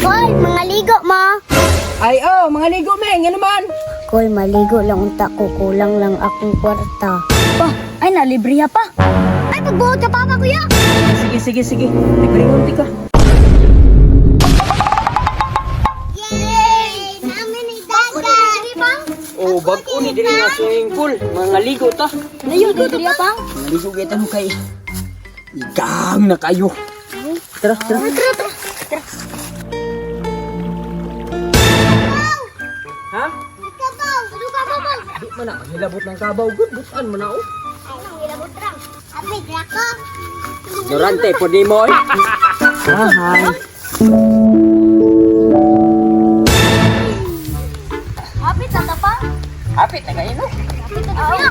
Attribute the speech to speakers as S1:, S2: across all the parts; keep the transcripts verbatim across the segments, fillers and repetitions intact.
S1: Koy, mga ligo mo.
S2: Ay, oh, mga ligo, Meng. Yan naman.
S1: Koy, maligo lang unta ko. Kulang lang akong kwarta.
S3: Pa, ay nalibriya pa. Ay, pagbuhot ka papa kuya.
S2: Sige, sige, sige. Libre hunti ka.
S1: Yay! Namin ni Dada!
S2: Oh, bag-o ni diri nga swimming pool. Mga ligo ta.
S3: Layo, libriya pa.
S2: Mga ligo kita mo kay. Igang na kayo. Tara, tara. Ha?
S1: Kabaw! Ano kabaw mo?
S2: Di man na, hilabot ng kabaw. Good, butan mo na, oh.
S1: Ay, nang ilabot lang. Abi, drako.
S2: Durante, pwede mo, eh. Ah, hi.
S3: Hapit na ta pa.
S2: Hapit na kayo, no?
S3: Hapit na ta.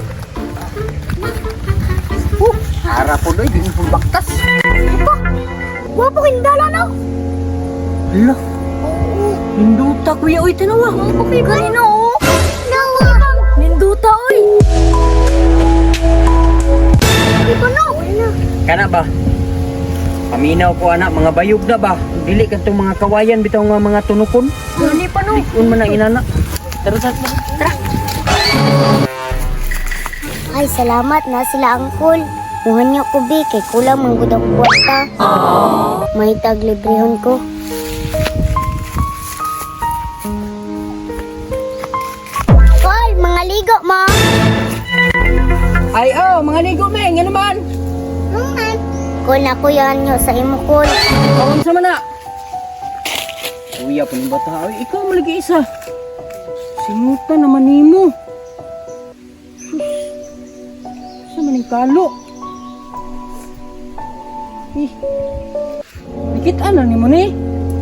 S2: Uh, harap po doy, di mo pong baktas.
S3: Wapo kindala no.
S2: Hala, hinduta kuya, oy, tanawa.
S3: Wapo kay kanino oh.
S1: Nawa!
S3: Ninduta oy. Di pa no.
S2: Kana ba? Paminaw ko anak, mga bayog na ba? Dili ka itong mga kawayan, bitaw nga mga tunukon.
S3: Dali pa no.
S2: Un man ang inana. Tara, tara, tara.
S1: Ay, salamat na sila angkol. Muhan niyo ko, Bi, kay kulang manggod ang kwarta. May taglibrehon ko. Koy, mga ligo mo.
S2: Ay, oh, mga ligo, Meng, yan naman.
S1: Naman. Kol na kuyan niyo sa imo, Kol.
S2: Kawang sa mana. Kuya, paning bata. Ay, ikaw malagi isa. Singutan naman ni mo. Sa maning kalo. Eh, nakita na ni mo ni.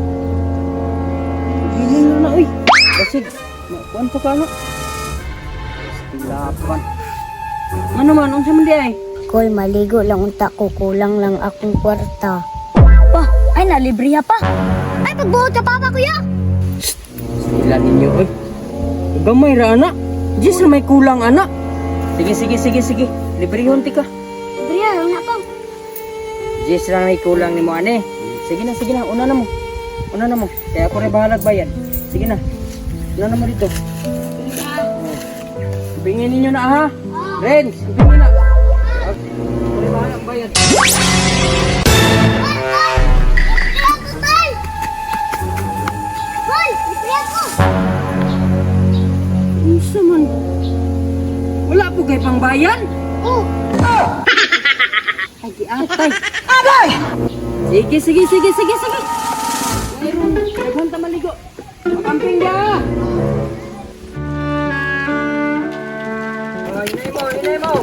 S2: Gilin na na, uy. Basig, nakuan pa ka na. Stilapan. Ano man, unsa man di ay?
S1: Kol, maligo lang unta ko. Kulang lang akong kwarta.
S3: Pa, ay nalibriya pa. Ay, pagbuhot ka papa kuya.
S2: Sila ninyo, uy. Gamay ra, anak. Diyos na may kulang, anak. Sige, sige, sige, sige. Libre hunti ka.
S3: Libriya, wala pa.
S2: Diyos lang may kulang ni mo, ane. Sige na, sige na. Una na mo. Una na mo. Kaya ako rin bahalag bayan. Sige na. Una na mo dito. Ibingin ninyo na, ha? Renz, ibingin na. Ako rin bahalag bayan. Isa man. Wala po kay pangbayan.
S1: Oh,
S2: Ay, di atay. Agay! Sige, sige, sige, sige, sige. Mayroon, naghunta maligo. Makamping niya. Oh, inay mo, inay mo.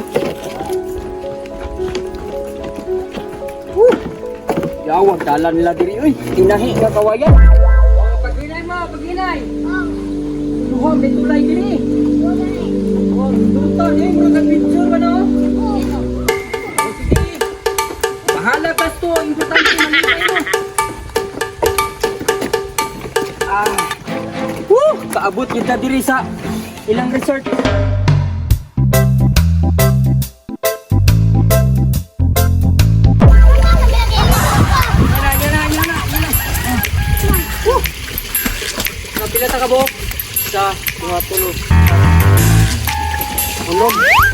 S2: Uh! Yawag, dalan nila diri. Uy, tinahi nga kawayan. Oh, pag-inay mo, pag-inay. Luhon, may tulay diri. Oh, duto, eh, bro, nag-picture ba no? Bahala ka to, importante manipay mo. Ah. Woo! Kaabot kita diri sa ilang resort. Yan na, yan na, yan na, yan na. Woo! Napila ta ka bo? Sa mga tulog. Tulog.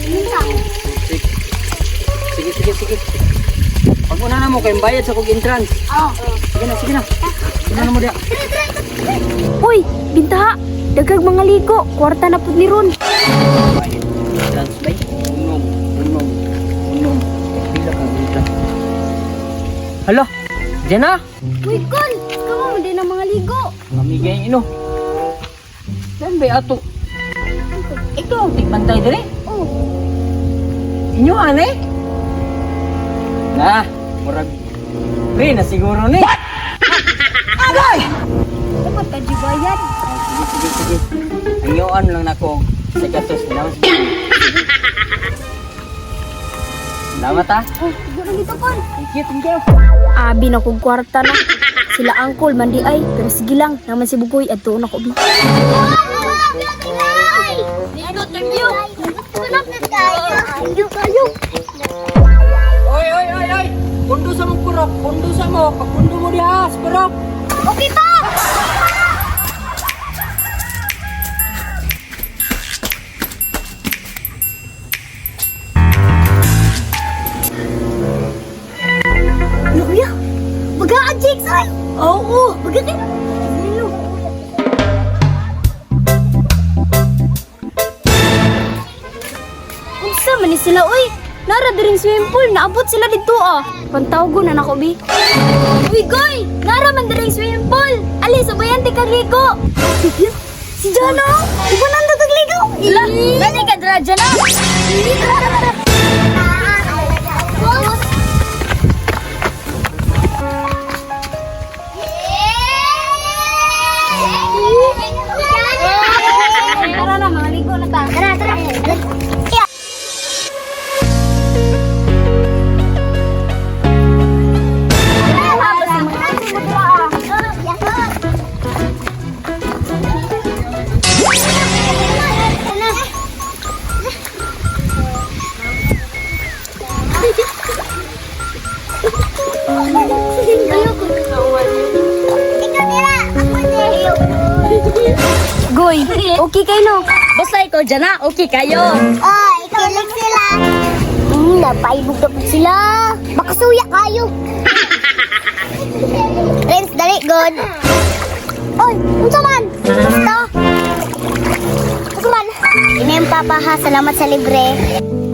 S2: Sige, sige, sige. Pag una na mo, kayong bayad sa kong entrance.
S1: oh.
S2: Sige na, sige na. Una na mo diya.
S3: Uy, bintaha. Dagag mga ligo. Kwarta na pud ni ron.
S2: Bayad. Entrance bay. Unom, unom, unom. Pila ka dito. Hala, diyan na.
S3: Uy, Kol. Ikaw mo din ang mga ligo.
S2: Mamigay ino. Saan ba ato? Ito, tigpantay diri.
S3: Oh.
S2: Inyo, ane? Na, murag. Pre, na siguro ni. Agay!
S3: Dapat ka jibayan.
S2: Sige, sige, sige. Ayoan lang nako sa katos. Salamat ha.
S3: Oh, siguro dito, Kol.
S2: Thank you, thank you.
S3: Abi na kong kwarta na. Sila angkol, mandi ay. Pero sige lang, naman si Bugoy at doon ako.
S1: Ligo tayo! Tulog na tayo! Ligo tayo!
S2: Oy, oy, oy, oy! Pundo sa mong kurok, pundo sa mo. Pagpundo mo diha, sa kurok.
S1: dito! Ano kuya? Bagaan, Jakes, ay! Oo, bagaan. Hello.
S3: Unsa man ni sila oy? Nara diring swimming pool, naabot sila dito ah. Pantawgo na nako bi. Uy, goy! Nara man diring swimming pool. Ali, sabayan ti kagligo.
S1: Si Jano! Di ba nando tagligaw?
S3: Ila, dali ka dra Jana. Tara na, maligo na ta.
S1: Tara, tara.
S3: Goy, okay kayo no? Basta ikaw Jana, okay kayo.
S1: Ah, ikaw lang sila. Hmm, napaibog na po sila. Makasuya kayo. Friends, dali, good. Oy, unsa man? Basta. Unsa man? Ini yung papa ha, salamat sa libre.